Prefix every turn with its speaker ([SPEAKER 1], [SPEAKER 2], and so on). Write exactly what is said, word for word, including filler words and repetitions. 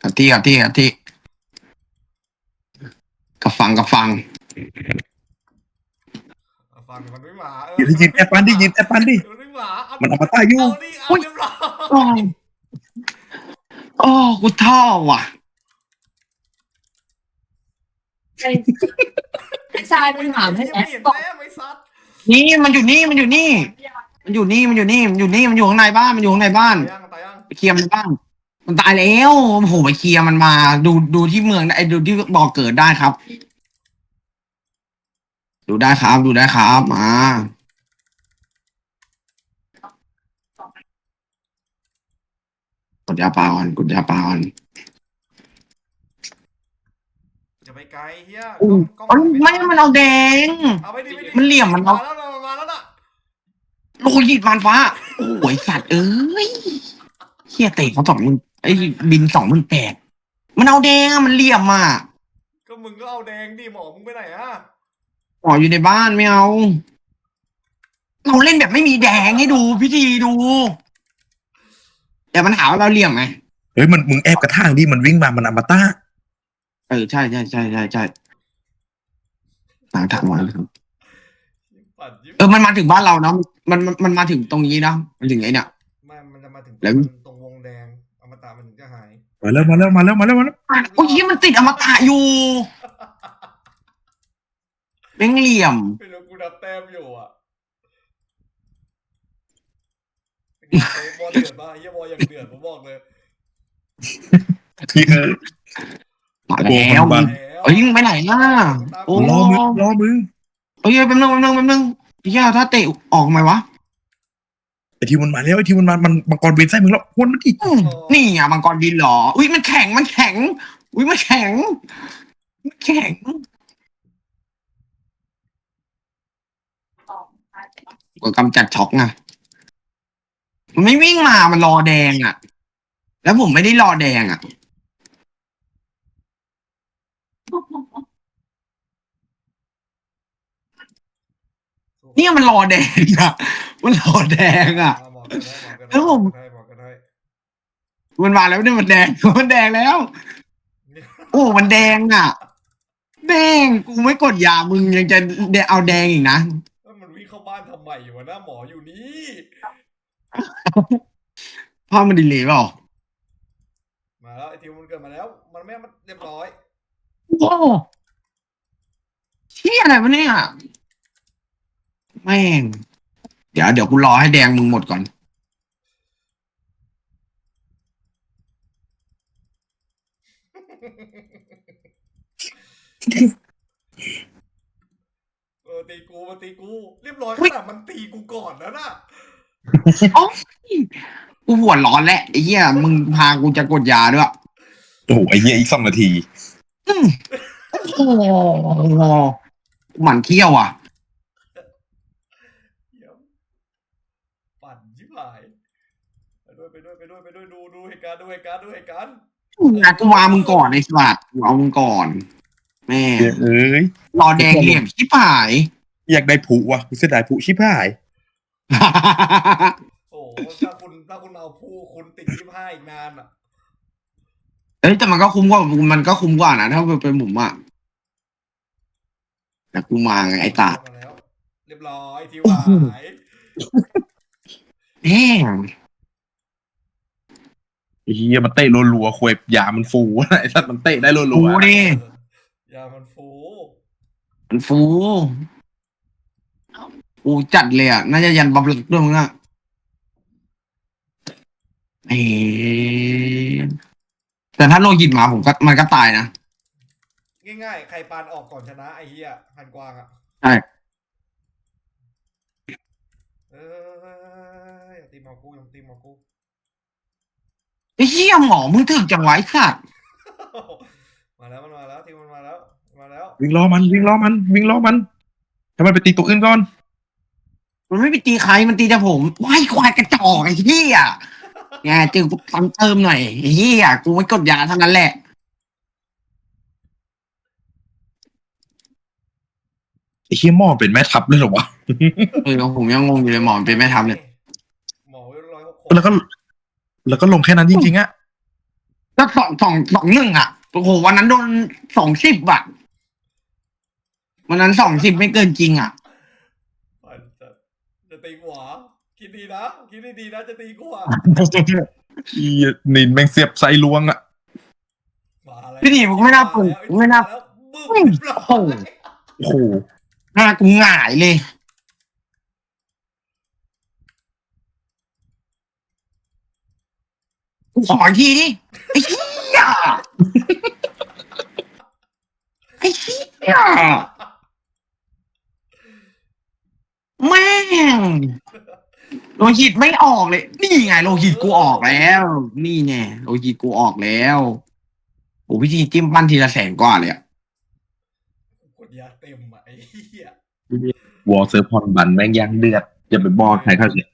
[SPEAKER 1] กับที่กับที่กับที่กับฟังกับฟัง
[SPEAKER 2] ฟังมันไม่หมาเออ
[SPEAKER 3] ยืนยืนแอปปันดิยืนแอปปันดิ
[SPEAKER 2] มันไม่หมาเอา
[SPEAKER 3] มันอมตะอยู่
[SPEAKER 2] เอาดิเอาเรียบร้อย
[SPEAKER 1] โอ้โอ้กูท่อว่ะ
[SPEAKER 4] ไอ้ชายมันถามให้แอ
[SPEAKER 2] ไม่
[SPEAKER 4] ด
[SPEAKER 2] เห็น
[SPEAKER 4] บอก
[SPEAKER 2] แม่ไม่ซัด
[SPEAKER 1] นี่มันอยู่นี่มันอยู่นี่ มันอยู่นี่มันอยู่นี่มันอยู่นี่มันอยู่ข้างในบ้านมันอยู่ข้างในบ้าน
[SPEAKER 2] ตายยังตายยัง
[SPEAKER 1] ไปเคลียร์มันในบ้านมันตายแล้วโอ้โหไปเคลียร์มันมาดูดูที่เมืองไอ้ดูที่บอกเกิดได้ครับ ดูได้ครับดูได้ครับมากดยาปลาก่อนกดยาปลาก่อน
[SPEAKER 2] อย่าไปไกลเฮีย
[SPEAKER 1] อู้
[SPEAKER 2] กล้อง
[SPEAKER 1] มัน
[SPEAKER 2] กล้อง
[SPEAKER 1] ไม่มันเอาแดง
[SPEAKER 2] เอาไปดิไปดิ
[SPEAKER 1] มันเหลี่ยมมัน
[SPEAKER 2] มา
[SPEAKER 1] เอา
[SPEAKER 2] แล้วนะมาแล้วนะ
[SPEAKER 1] โลหิตมันฟ้าโอ้ยสัตว์เอ้ยเฮียเตะเขาสองหมื่นไอ้บินสองหมื่นแปดมันเอาแดงอะมันเหลี่ยมอ่ะ
[SPEAKER 2] ก็มึงก็เอาแดงดิหมอมึงไปไหนอะ
[SPEAKER 1] หมออยู่ในบ้านไม่เอา เราเล่นแบบไม่มีแดงให้ดูพิธีดูแต่มันหาว่าเราเหลี่ยมไง
[SPEAKER 3] เฮ้ยมันมึงแอบกระทั่งดิมันวิ่งมามันอมตะ
[SPEAKER 1] เออใช่ใช่ใช่ใช่ใช่หลังถักหมดเลยครับ
[SPEAKER 2] ปัดยิ้ม
[SPEAKER 1] เออมันมาถึงบ้านเราเนาะมันมันมันมาถึงตรงนี้เนาะมันถึงไอ้เนี่ย
[SPEAKER 2] ไม่มันจะมาถึง
[SPEAKER 1] แล้ว
[SPEAKER 2] ตรงวงแดงอมตะมันถึงจะหาย
[SPEAKER 3] มาแล้วมาแล้วมาแล้วมาแล้วมาแล้ว
[SPEAKER 1] โอ้ยเหี้ยมันติดอมตะอยู่แม่งเหลี่ยม
[SPEAKER 2] ไม่รู้กูนับแต้มอยู่อ่ะเป็นไงไอ้บอลเดือดป่ะไอ้เหี้ยบอลอย่างเดือดผมบอกเลย
[SPEAKER 3] พี่เออ
[SPEAKER 1] มาแล้ว
[SPEAKER 3] โอ้มัน
[SPEAKER 1] เอ้ยมึงไปไหนล่ะ โอ้
[SPEAKER 3] รอมึงรอมึง
[SPEAKER 1] เอ้ยแป๊บนึงแป๊บนึงแป๊บนึงเฮียถ้าเตะออกไหมวะ
[SPEAKER 3] ไอทีมันมาแล้วไอทีมันมามันมังกรบินใส่มึงแล้วพ่นมันดิ
[SPEAKER 1] อืมนี่อ่ะมังกรบินเหรอ อุ้ยมันแข็งมันแข็ง อุ้ยมันแข็งมันแข็งก็กำจัดช็อกไงมันไม่วิ่งมามันรอแดงอ่ะ แล้วผมไม่ได้รอแดงอ่ะ เนี่ยมันรอแดงอ่ะ มันรอแดงอ่ะ
[SPEAKER 2] อ่าบอกกันได้บอกกัน
[SPEAKER 1] แล้
[SPEAKER 2] ได้
[SPEAKER 1] ว
[SPEAKER 2] บ
[SPEAKER 1] ผ
[SPEAKER 2] อก
[SPEAKER 1] ม
[SPEAKER 2] กันได้บอกกันได้
[SPEAKER 1] มันมาแล้วเนี่ยมันแดง มันแดงแล้ว โอ้ มันแดงอ่ะ แดงกูไม่กดยามึงยังจะเอาแดงอีกนะ
[SPEAKER 2] แล้วมันวิ่งเข้าบ้านทำไมอยู่วะหน้าหมออยู่นี่
[SPEAKER 1] พ่อมันดีเลยเปล่า
[SPEAKER 2] มาแล้วไอ้ทิวมันเกิดมาแล้ว มันไม่มันเรียบร้อย
[SPEAKER 1] โอ้เชี่ยอะไรวะเนี่ยแม่ง เดี๋ยวเดี๋ยวกูรอให้แดงมึงหมดก่อน
[SPEAKER 2] เออตีกูมาตีกู เรียบร้อยขนาดมันตีกูก่อนแล้วน่ะ
[SPEAKER 1] กูหัวร้อนแล้วไอ้เหี้ยมึงพากูจะกดยาด้วย
[SPEAKER 3] โอ้โหไอเหี้ยอีกสองนาที
[SPEAKER 1] อืมโอ้โหหมันเขี้ยวอ่ะ
[SPEAKER 2] เหี้ยปั่นชิบหายไปด้วยไปด้วยไปด้วยไปด้วยดูดูเหตุการณ์ดูเหตุการณ์ดูเหตุการณ์
[SPEAKER 1] งานกูวางมึงก่อนไอ้สัตว์กูเอามึงก่อน แม่
[SPEAKER 3] เอ้ย
[SPEAKER 1] รอแดงเหลี่ยมชิบหาย
[SPEAKER 3] อยากได้ผูว่ะกูเสียดายผูชิบหาย
[SPEAKER 2] โอ้โหถ้าคุณถ้าคุณเอาผู้คุณติดยี่ห้าอีกนานอ่ะ
[SPEAKER 1] เอ้ยแต่มันก็คุ้มกว่ามันก็คุ้มกว่านะถ้าเป็นหมุมอ่ะแต่กูมาไงไอ้ตา
[SPEAKER 2] มาแล้วเรียบร้อยทิวหาย
[SPEAKER 1] แม่ง
[SPEAKER 3] ไอ้เหี้ยมันเตะรัวๆควยยามันฟูไอ้สัตว์มันเตะได้รั
[SPEAKER 1] ฟู
[SPEAKER 3] ว
[SPEAKER 1] ดิ
[SPEAKER 2] ยามันฟู
[SPEAKER 1] มันฟูฟูจัดเลยอ่ะน่าจะยันบับลึกด้วยมึงอ่ะเอ้แต่ถ้าโลหิตมาผมก็มันก็ตายนะ
[SPEAKER 2] ง่ายๆใครปานออกก่อนชนะไอ้เหี้ยหันกวางอ่ะ
[SPEAKER 1] ใช่
[SPEAKER 2] เอออย่าตีหมอกูอย่าตีหมอกู
[SPEAKER 1] ไอ้เหี้ยหมอมึงถึกจังไวะไอ้สัตว์
[SPEAKER 2] มาแล้วมันมาแล้วทีมมันมาแล้วมาแล้ว
[SPEAKER 3] ๆวิ่งล้อมันวิ่งล้อมันวิ่งล้อมันให้มันไปตีตัวอื่นก่อน
[SPEAKER 1] มันไม่ไปตีใครมันตีแต่ผมว้ายควายกระจอกไอ้เหี้ยไงเจอกูตามเติมหน่อยไอ้เหี้ยกูไม่กดยาเท่านั้นแหละ
[SPEAKER 3] ไอ้เหี้ยหม้อเป็นแม่ทัพเลยเหรอวะ
[SPEAKER 1] เออผมยังงงอยู่เลยหมอมันเป็นแม่ทัพเลย
[SPEAKER 2] หมอร้อยหก
[SPEAKER 3] แล้วก็ แล้วก็ลงแค่นั้นจริงๆอะ
[SPEAKER 1] ก็ก็สองสองสองหนึ่งอ่ะโอ้โหวันนั้นโดนสองสิบอ่ะวันนั้นสองสิบไม่เกินจริงอ่ะ
[SPEAKER 2] ปั่นจะจะตีหัวคิดดีนะคิดดีๆนะจะตีกูอ่ะ
[SPEAKER 3] อีนินแม่งเสียบไซลวงอ่ะ
[SPEAKER 2] มาแล้ว
[SPEAKER 1] พี่ดีไม่น่าเปิดไม่น่า
[SPEAKER 2] แล้วบึ้
[SPEAKER 1] โอ้
[SPEAKER 2] ม
[SPEAKER 1] โห
[SPEAKER 3] โอ้โห
[SPEAKER 1] หน้ากูหงายเลยกูขออีกทีดิไอ้เหี้ยไอ้เหี้ยแม่งโลหิตไม่ออกเลย นี่ไงโลหิตกูออกแล้ว นี่ไงโลหิตกูออกแล้วโอ้พิธีจิ้มปั้นทีละแสนกว่าเลยอะ
[SPEAKER 2] กดยาเต็มอ่ะไอ้เหี้ย
[SPEAKER 3] วอลเซอร์พอนบันแม่งยังเดือดอย่าไปบอกใครเขาเสีย